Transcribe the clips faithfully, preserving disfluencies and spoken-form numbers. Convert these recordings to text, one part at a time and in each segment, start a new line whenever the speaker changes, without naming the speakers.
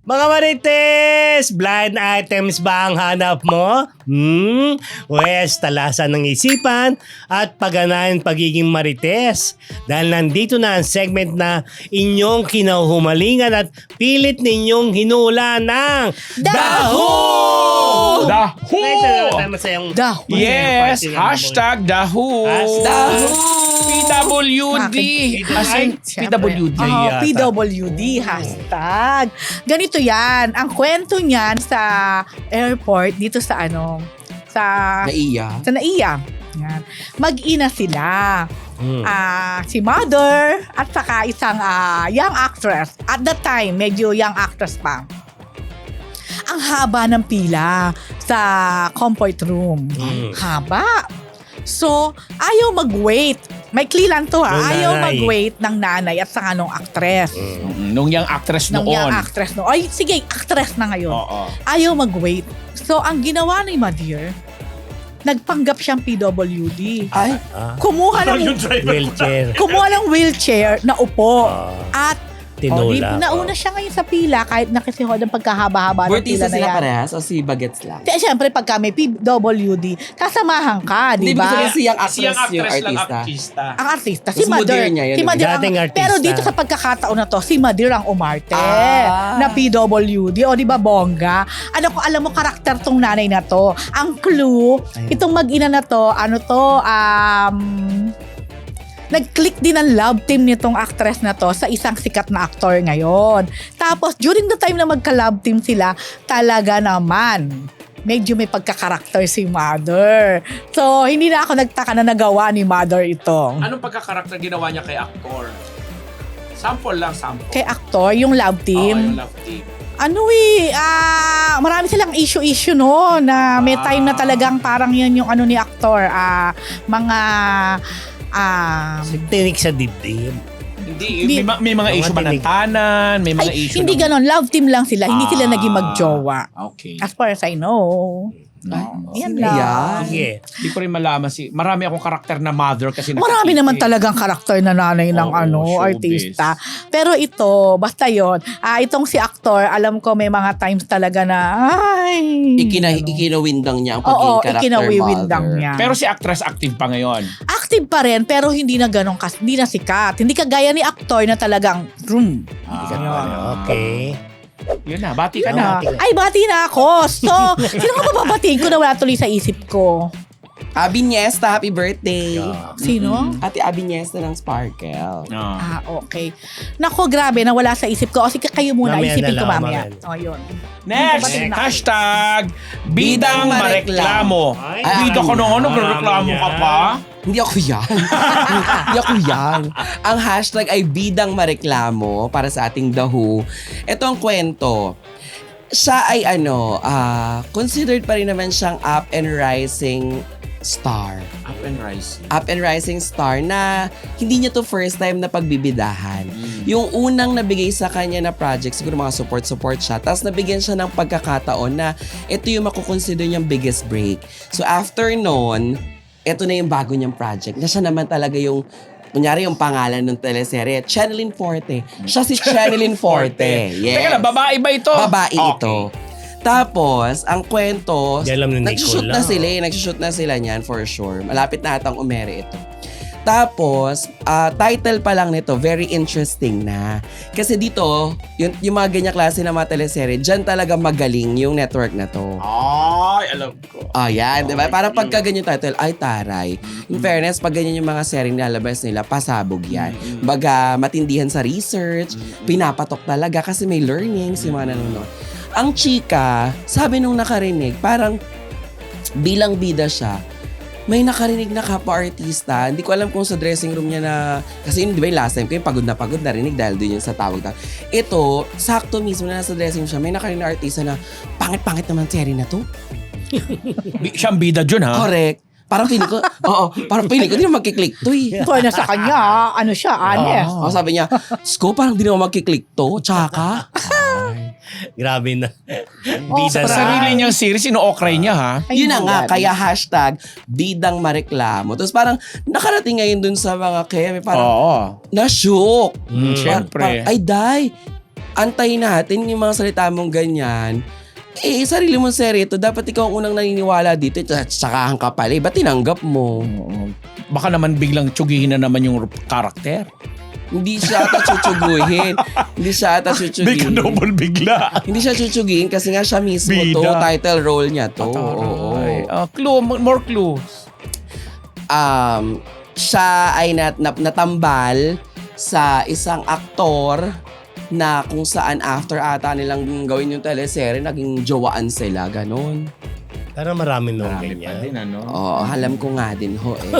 Mga marites, blind items ba ang hanap mo? Hmm? Wes, talasan ng isipan at pagganahan pagiging marites. Dahil nandito na ang segment na inyong kinahumalingan at pilit ninyong hinula ng Daho!
Daho!
Masayang
Daho.
Yes,
Party ng
hashtag Daho.
Daho!
P W D. As in, P W D.
Oh,
yata.
P W D hashtag. Ganito yan. Ang kwento niyan sa airport dito sa ano, sa
Naiya.
sa Naiya. Yan. Mag-ina sila.
Hmm.
Ah, si mother at saka isang ah, young actress. At that time, medyo young actress pa. Ang haba ng pila sa comfort room.
Mm.
Haba. So, ayaw mag-wait. May lang to ha.
Nung
Ayaw
nanay.
mag-wait ng nanay at saka nung actress.
Mm, Nung yung actress
Nung
noon.
young actress no. Ay, sige, actress na ngayon.
Oo.
Ayaw mag-wait. So, ang ginawa ni Madir, nagpanggap siyang P W D.
Ay,
Ah,
Kumuha ng
wheelchair.
kumuha ng wheelchair na upo.
Ah,
At oh, di,
tinula.
nauna siya ngayon sa pila kahit nakisihod ang pagkahaba-haba ng pila
Bortisa
na
sila
yan.
parehas o si Bagets lang?
Kaya siyempre pagka may P W D, kasamahan ka, di
Hindi,
ba?
ibig sabihin siyang actress,
Siyang
yung
actress lang
artista.
artista.
Ang artista, si
Mas
Madir.
modern niya yun,
Si
eh.
Madir ang,
Dating artista.
pero dito sa pagkakataon na to, si Madir ang umarte
Ah.
na P W D. O di ba bongga? Ano ko, alam mo, karakter tong nanay na to. Ang clue,
Ayun.
itong mag-ina na to, ano to, um... nag-click din ang love team nitong actress na to sa isang sikat na aktor ngayon. Tapos, during the time na magka-love team sila, talaga naman, medyo may pagkakarakter si Mother. So, hindi na ako nagtaka na nagawa ni Mother ito.
Anong pagkakarakter ginawa niya kay actor? Sample lang, sample.
Kay aktor, yung love
Oo,
team.
yung love team.
Ano eh, ah, marami silang issue-issue no, na may time na talagang parang yan yung ano ni aktor, ah, mga, ah,
Tinik sa dibdib.
Hindi,
Hindi.
may, ma- may mga
Mga
issue ba ng
tinig.
tanan? May mga
ay,
issue
hindi
ng-
ganon, love team lang sila, hindi sila
Ah,
naging magjowa.
Okay.
As far as I know.
No.
Yan
Sino
lang.
yan?
Sige.
Hindi ko rin malaman si marami akong karakter na mother kasi
Marami
nakikita
naman
eh.
talagang karakter na nanay ng
Oo,
ano,
showbiz.
artista. Pero ito, basta yon. Ah, itong si aktor, alam ko may mga times talaga na ay.
Ikina,
ano.
ikinawindang niya ang
Oo,
pagiging character
ikinawiwindang
mother.
niya.
Pero si actress active pa ngayon.
Active pa rin pero hindi na ganun kas, hindi na sikat. Hindi kagaya ni aktor na talagang room.
Ah,
Okay.
Yun na, bati ka
Ah,
na.
ay, bati na ako. So, sino ka papabatiin ko na wala tuloy sa isip ko?
Abi Niesta, happy birthday.
Yeah.
Sino?
Ate Abi Niesta ng Sparkle.
Ah.
Ah, okay. Nako, grabe, nawala sa isip ko. O sige, kayo muna.
Mamaya
Isipin
na
ko
lang,
mamaya.
mamaya.
O, yun.
Next,
Batiin na.
hashtag Bidang Mareklamo.
Ay,
Bida ko nung ano,
marami
reklamo ka
yan.
pa.
Hindi ako yan. Hindi ako yan. Ang hashtag ay Bidang Mareklamo para sa ating The Who. Ito ang kwento. Siya ay ano, ah, considered pa rin naman siyang up and rising star.
Up and rising.
Up and rising star na hindi niya to first time na pagbibidahan. Yung unang nabigay sa kanya na project, siguro mga support-support siya. Tapos nabigyan siya ng pagkakataon na ito yung makukonsider niyang biggest break. So after noon, ito na yung bago niyang project. Na siya naman talaga yung, kunyari yung pangalan ng teleserye, Channeline Forte. Siya si Channeline Forte. Yes.
Teka lang, babae ba ito?
Babae
Okay.
ito. Tapos, ang kwento,
Di alam ni
nagsushoot
Nicole
na
lang.
sila eh. Nagsushoot na sila niyan for sure. Malapit na atang umere ito. Tapos, ah, title pa lang nito, very interesting na. Kasi dito, yung, yung mga ganyan klase na mga teleserye, dyan talaga magaling yung network na to.
Ay, alam ko.
Oh, yan, di ba? Parang
Mm.
pagka ganyan title, ay taray. In fairness, pag ganyan yung mga series nilalabas nila, pasabog yan. Baga, matindihan sa research, pinapatok talaga kasi may learnings yung mga nanonood. Ang chika, sabi nung nakarinig, parang bilang bida siya, may nakarinig na kapwa-artista. Hindi ko alam kung sa dressing room niya na, kasi yun, di ba yung last time ko yung pagod na pagod narinig dahil doon yun sa tawag na. Ito, sakto mismo na nasa dressing room siya, may nakarinig na artista na, pangit-pangit naman serie na to.
Bi- siyang bida dyan, ha?
Correct. Parang feeling ko, oo, parang feeling ko, di na magkiklik to eh.
Ito na sa kanya, ah, ano siya, honest.
Oh, sabi niya, Sko, parang di na magkiklik to, tsaka.
Grabe na.
Oh,
Bida
Sa
na.
sarili niyang series, ino-okray niya, ha?
Ay,
Yun na nga,
grabe.
kaya hashtag bidang mareklamo. Tapos parang nakarating ngayon dun sa mga kaya, may parang
Oo.
na-shook.
Mm.
Par-
Siyempre.
par- ay, day, antayin natin yung mga salita mong ganyan. Eh, sarili mong serye ito. Dapat ikaw ang unang naniniwala dito. At sakahan ka pala. Eh, ba't tinanggap mo?
Oo. Baka naman biglang tsugihin na naman yung karakter.
Hindi siya ata chuchuguhin. Hindi siya ata chuchuguhin.
bigla.
Hindi siya chuchuguhin kasi nga siya mismo
Bida.
to. Title role niya to. Oo.
Uh, clue, more clues.
Um, siya ay nat, nat, natambal sa isang aktor na kung saan after ata nilang gawin yung teleserye, naging jowaan sila, ganon.
Pero marami nung
Marami pa
ganyan.
din, ano?
Oo, alam ko nga din ho eh.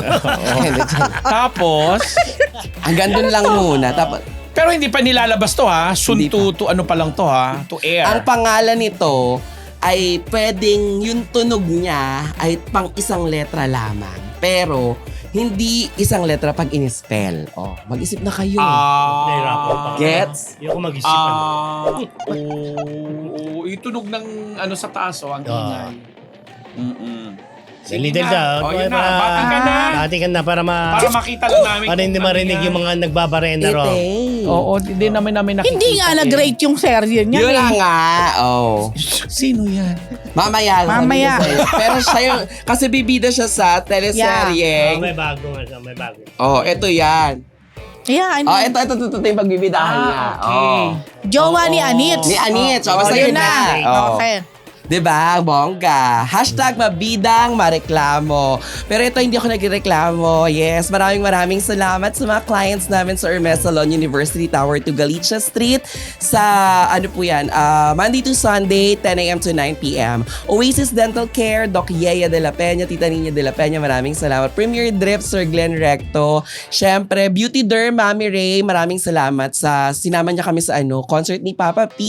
Tapos,
Hanggang dun lang muna. Tapos,
pero hindi pa nilalabas to ha. Soon
Hindi
to, to ano pa lang to ha. To air.
ang pangalan nito ay pwedeng yung tunog niya ay pang isang letra lamang. Pero, hindi isang letra pag in-spell. Oh, mag-isip na kayo.
Ah.
Nahirapan pa.
Gets?
Hindi ako mag-isip. ano.
Ah. Oo. Itunog ng ano sa taas oh, ang
Ah.
ingay. Mm-mm.
Dali dali ka.
Oh, yun na. Bati ka na.
Bati ka na para ma...
Para makita lang namin.
Para hindi
kung ano
marinig
yan.
yung mga nagbabarena ro.
Ite.
Oo, hindi namin namin nakikita.
Hindi nga
eh.
nag-rate yung serye niya.
Yun
eh.
na nga. Oh.
Sino yan?
Mamaya.
Mamaya.
sabihin ko sa'yo. Pero siya yung, kasi bibida siya sa
Oh,
teleserye.
may bago nga siya, may bago.
Oh, eto yan.
Yeah, ano?
Oh, ito, ito, ito, ito yung pagbibidahan niya.
Ah, okay.
Oh.
Jowa ni
Oo.
Anit.
Ni Anit. So,
Oh,
basta
yun
yun
na.
na. Oh.
Okay.
Diba? Bongga. Hashtag mabidang mareklamo. Pero ito, hindi ako nagreklamo. Yes, maraming maraming salamat sa mga clients namin sa Hermes Salon University Tower to Galicia Street sa, ano po yan, uh, Monday to Sunday, ten a.m. to nine p.m. Oasis Dental Care, Doc Yea de la Peña, Tita Nina de la Peña, maraming salamat. Premier Drip, Sir Glenn Recto. Siyempre, Beauty Derm, Mami Ray, maraming salamat sa sinama niya kami sa ano, concert ni Papa P.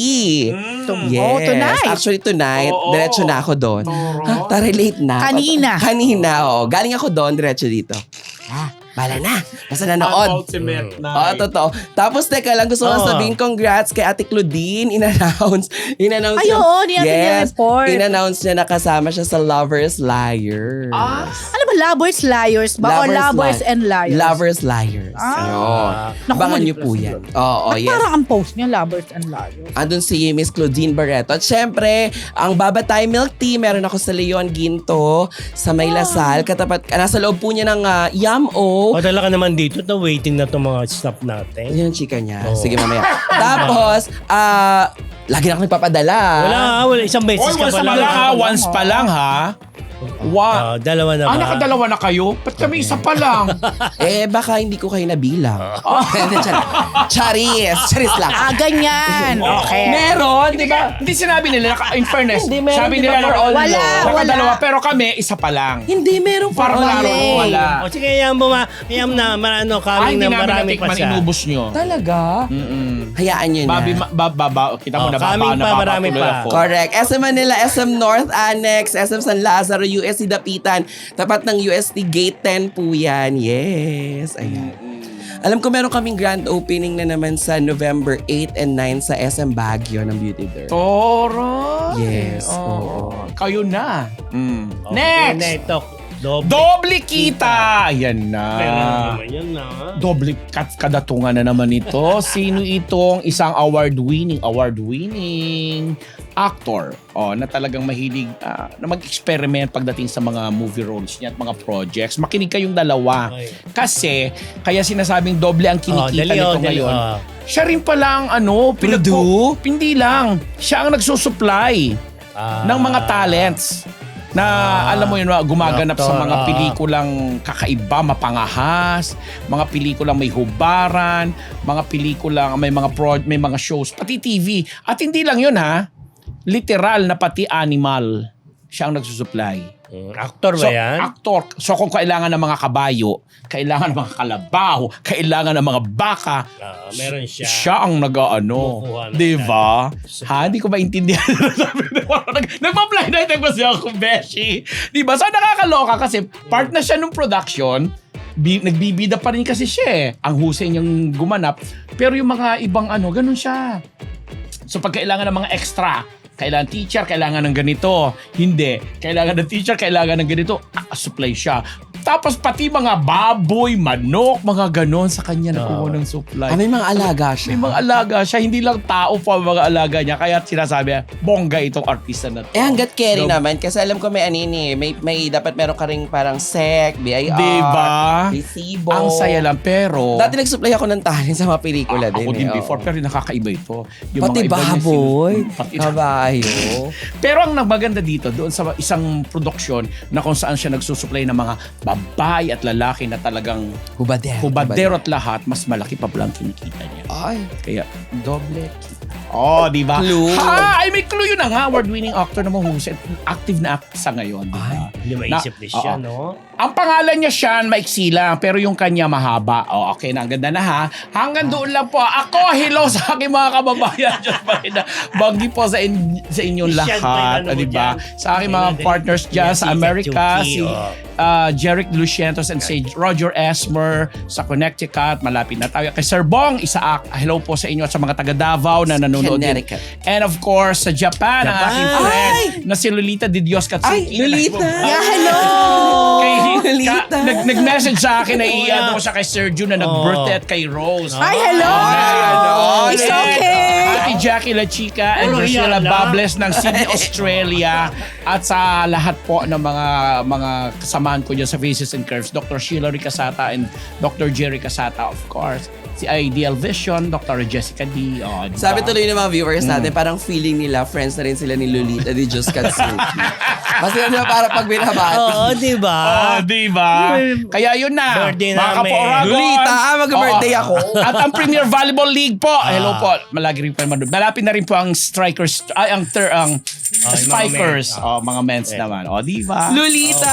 Mm.
Yes.
Oh, tonight.
Actually, tonight.
Oo.
Diretso na ako doon.
Toro.
Ha, tara, late na.
Kanina.
Kanina, oh. Galing ako doon, diretso dito. Ah, bala na. Basta nanood.
Ultimate na.
Oo, totoo. Tapos, teka lang, gusto ko
Oo.
sabihin, congrats kay Ate Claudine. In-announce. In-announce
Ay,
niya-
oo, di natin
Yes.
ni-report.
In-announce niya na kasama siya sa Lovers Liars.
Ah,
Ano ba, Lovers Liars ba? O Lovers
Li-
and Liars?
Lovers Liars.
Ah.
Ayun.
Naku,
Abangan niyo
manipula
po
siguro.
yan. Oo,
At
yes.
parang ang post niya, Lovers and Liars.
Andun si Miss Claudine Barreto. At syempre, ang Babatay Milk Tea, meron ako sa Leon Ginto, sa May Lasal. Katapat, nasa loob po niya ng uh, Yam-O.
O talaga naman dito, na waiting na itong mga staff natin.
Yan yung chika niya.
Oo.
Sige, mamaya. Tapos, ah, lagi na ako nagpapadala.
Wala, wala. Isang beses
Oy,
ka
once
pa
pa
lang.
lang ha. Once pa lang ha. Wow.
Ah, dalawa na ba?
Ah, nakadalawa na kayo? Ba't kami isa pa lang?
Eh, baka hindi ko kayo nabilang. Hindi, char- Charis. Charis lang.
Ah, ganyan. Okay.
Meron, di ba? Hindi sinabi nila, naka- in fairness,
Hindi, meron,
sabi
di ba,
nila
for
na
all
Wala,
law?
nakadalawa,
wala.
pero kami, isa pa lang.
Hindi, meron for
Parang
all
laro,
law.
wala.
O sige, yan mo ma. Yan na, marano,
Ay,
kaming
hindi
na
namin
marami pa
natikman,
siya.
inubos nyo.
Talaga?
Mm-mm.
Hayaan nyo na.
Babi, ma- ba, ba, ba, kita mo
Oh,
na baba,
kaming pa, marami
napapatuloy
pa.
ako.
Correct. S M Manila, S M North Annex, S M San Lazaro, U S T Dapitan. Tapat ng U S T Gate ten po yan. Yes. Ayan. Alam ko meron kaming grand opening na naman sa November eight and nine sa S M Baguio ng Beauty Derm.
Toro.
Yes,
Oo.
oo.
Kayo na. Mm.
Okay,
Next!
na ito. Doble.
Doble kita! Yan na.
Meron naman yan na.
Doble kat kadatungan na naman ito. Sino itong isang award-winning, award-winning actor oh, na talagang mahilig ah, na mag-experiment pagdating sa mga movie roles niya at mga projects. Makinig kayong dalawa.
Okay.
Kasi, kaya sinasabing doble ang
Oh,
kinikita
dali,
nito
oh, dali,
ngayon.
oh.
Siya rin palang ano, pinagpo- hindi lang. Siya ang nagsusupply
Ah.
ng mga talents na
Ah.
alam mo yun, gumaganap sa
Actor,
mga
ah.
pelikulang kakaiba, mapangahas, mga pelikulang may hubaran, mga pelikulang may mga pro, may mga shows, pati T V. At hindi lang yun ha, literal na pati animal siya ang nagsusupply.
Mm, actor ba
So,
yan?
actor. So kung kailangan ng mga kabayo, kailangan ng mga kalabaw, kailangan ng mga baka,
Ah, meron siya.
siya ang nag-ano.
Kumukuha ng
Di ba? Ha? Hindi ko maintindihan. Nagpa-blind item kasi ako, Beshi. Di ba? So nakakaloka kasi part na siya ng production. Bi- nagbibida pa rin kasi siya eh. Ang husay niyang gumanap. Pero yung mga ibang ano, ganun siya. So pag kailangan ng mga extra, kailangan teacher, kailangan ng ganito. Hindi. Kailangan ng teacher, kailangan ng ganito. Ah, supply siya. Tapos pati mga baboy, manok, mga ganon sa kanya nakuha ng supply.
Ah, may mga alaga siya.
May mga alaga siya, hindi lang tao pa ang mga alaga niya. Kaya sinasabi niya, bongga itong artista na to.
Eh, hanggat carry
So,
naman. Kasi alam ko may anini. May, may dapat meron ka rin parang sec, B I R,
Diba?
resibo.
Ang saya lang, pero...
Dati nag-supply ako ng talent sa mga pelikula
Ah,
din.
ako din
eh,
before,
oo.
pero nakakaiba ito.
Pati
iba niya
baboy.
sin- Pati
Kabayo.
Pero ang maganda dito, doon sa isang produksyon na kung saan siya nagsusupply ng mga babae at lalaki na talagang
Hubadero.
hubadero at lahat, mas malaki pa pala ang kinikita niya.
Ay,
Kaya, doble. Oh, di ba?
Clue.
Ha! Ay, may clue yun na nga. Award-winning actor na mahusay. Active na actor sa ngayon. Di ba?
Hindi maisip
Na-
din siya,
oo.
no?
Ang pangalan niya Sean, maiksi lang, pero yung kanya mahaba. Oh, okay na, ang ganda na ha. Hanggang doon lang po. Ako, hello sa aking mga kababayan. Diyos pa rin na. Bagi po sa, in, sa inyong
Sean pa yung
lahat.
ano
ah,
mo
di ba?
dyan.
Sa aking mga
Kailan din-
partners dyan sa
si
Amerika,
Chucky,
si
oh.
uh, Jeric Lucientos and si Roger Esmer sa Connecticut. Malapit na tayo. Kay Sir Bong Isaac, hello po sa inyo at sa mga taga Davao na nanonood din.
Connecticut.
And of course, sa Japan, ang
Japan.
aking friend na si Lolita Di Dios Katsuki.
Ay, Lolita.
Yeah, hello!
Kay,
Lolita.
ka, nag, nag-message sa akin na
Oo
i-ano
nga.
ko siya kay Sergio na nag-birthday at kay Rose.
Ay, hello!
Ay,
It's
And
okay!
Ate Jackie La Chica and
Ano
Priscilla
yan, ah?
Bables ng Sydney, Australia. At sa lahat po ng mga mga kasamahan ko dyan sa Faces and Curves, Doctor Sheila Ricasata and Doctor Jerry Casata, of course. Si Ideal Vision, Doctor Jessica D. Oh, diba?
sabi tuloy ng mga viewers natin, parang feeling nila, friends na rin sila ni Lolita Di Diyos Katsuki. Kasi ano, para pag binabati.
Oo, di ba?
Oh, di ba? Kaya yun na.
Birthday
Mga
namin.
Kapo-Oragon.
Lolita, ah, mag-birthday
Oo.
ako.
At ang Premier Volleyball League po. Hello po. Malagi rin po naman doon. Malapit na rin po ang strikers, ay, ang, ter, ang
Oh, yung mga
spikers.
men.
Oh, mga men's naman. Oh, di ba?
Lolita!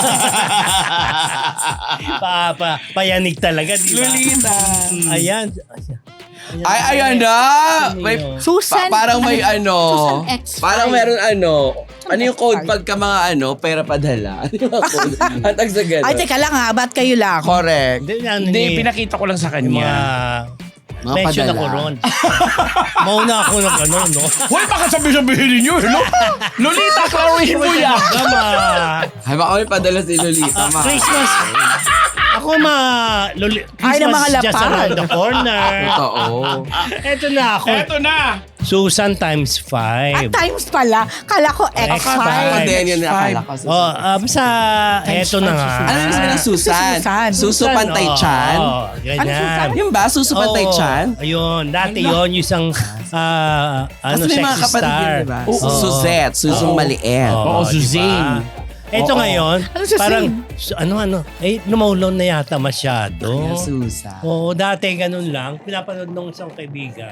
pa, pa, payanig talaga, di ba?
Lolita!
Ayan.
Ay, ayan na! May,
Susan,
pa- parang may ano,
Susan X five.
parang meron ano, ano yung code pagka mga ano, pera padala? Ano yung mga code? Ang tag sa ganun.
Ay, teka lang ha, ba't kayo lang?
Correct.
Hindi, ano
Hindi,
ni-
pinakita ko lang sa
yung mga...
kanya.
Mga
mention
padala.
ako ron. Mauna ako ng ano, no?
Hoy, baka sabi-sabihin ninyo. Hello? Lolita, klaruhin mo yan.
Gama.
Ay, baka may padala si Lolita. ma.
Christmas. Ako ma... Loli,
Ay,
Christmas
ng mga
just
lapad.
around the corner.
Totoo.
Eto na ako.
Eto na.
Susan times
At
five.
times pala, kala ko X
X
five.
five.
Ako din yun nakala ko.
Oh, uh, basta eto na nga.
Ano yung sabi ng Susan?
Susan.
Suso Pantay Chan?
Oo,
Ano,
ganyan.
Susan?
Yung ba? Suso Pantay
Oo,
Chan?
Ayun, dati yun, yung isang ah, ano,
Kasi may mga
sexy
kapatid
star.
yun, diba?
Oo.
Suzette, Susong Maliit.
Oo,
diba?
Suzanne.
Ito
Oo.
ngayon,
Ano siya,
parang,
Sing?
su- ano, ano, eh, lumaulon na yata masyado.
Ayan, Susan.
Oo, dati ganun lang. Pinapanood nung isang kaibigan.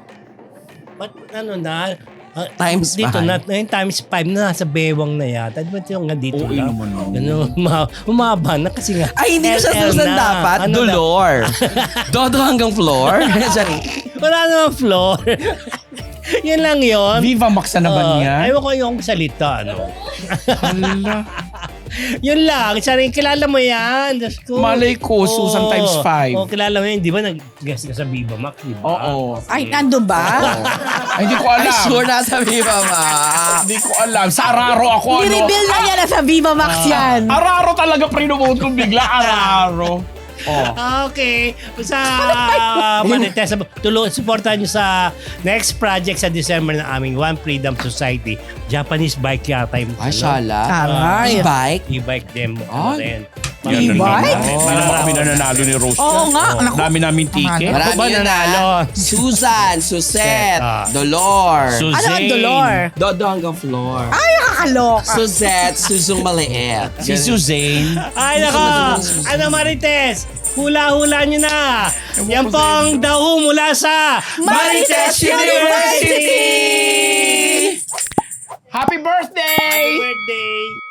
But ano na, ah,
Times
dito
five.
na, ngayon times five na nasa bewang na yata. Di ba ito yung nga dito
Oo,
lang?
naman, oo.
Ganun, uma- umaba na kasi nga.
Ay, hindi ko siya
L L
Susan
na.
dapat.
Ano na-
Dolor. Dodo hanggang floor. Sorry.
Wala namang floor. Yun lang yun.
Viva Max na naman
Oo,
yan.
Ayaw ko yung salita, ano.
Hala.
Yun lang. Sabi, kilala mo yan. Diyos ko.
Malay ko, Susan times five.
Oo, kilala mo yan. Di ba nag-guest ka sa Viva Max, di ba?
Oo.
Ay, nandun ba?
Ay, hindi ko
Ay,
alam.
sure nasa Viva Ma.
Hindi ko alam. Sa Araro ako, ano?
Ni-reveal na niya na sa Viva Max yan.
Araro talaga pre-note kong bigla. Araro. Oh.
Okay. Sa uh, Marites, tulungan, supportan nyo sa next project sa December ng aming One Freedom Society. Japanese bike yata yung
Ay,
ano,
shala.
Aray.
E-bike?
e-bike demo. Ano
Ay.
rin.
E-bike?
Hindi naman kami nananalo ni Rose.
Oo nga. Naku.
Dami namin ticket.
Ano?
Marami
ba
yun
nanalo?
na. Susan, Susette,
Ah.
Dolor.
Suzanne.
Ano ang dolor?
Dodo hanggang floor.
Ay, nakakaloka.
Suzette, Susong Maliit.
Si Suzanne.
Ay, nako! Ano Marites? Hula-hula nyo na! Yan pong daho mula sa
Marites University!
Happy birthday!
Happy birthday!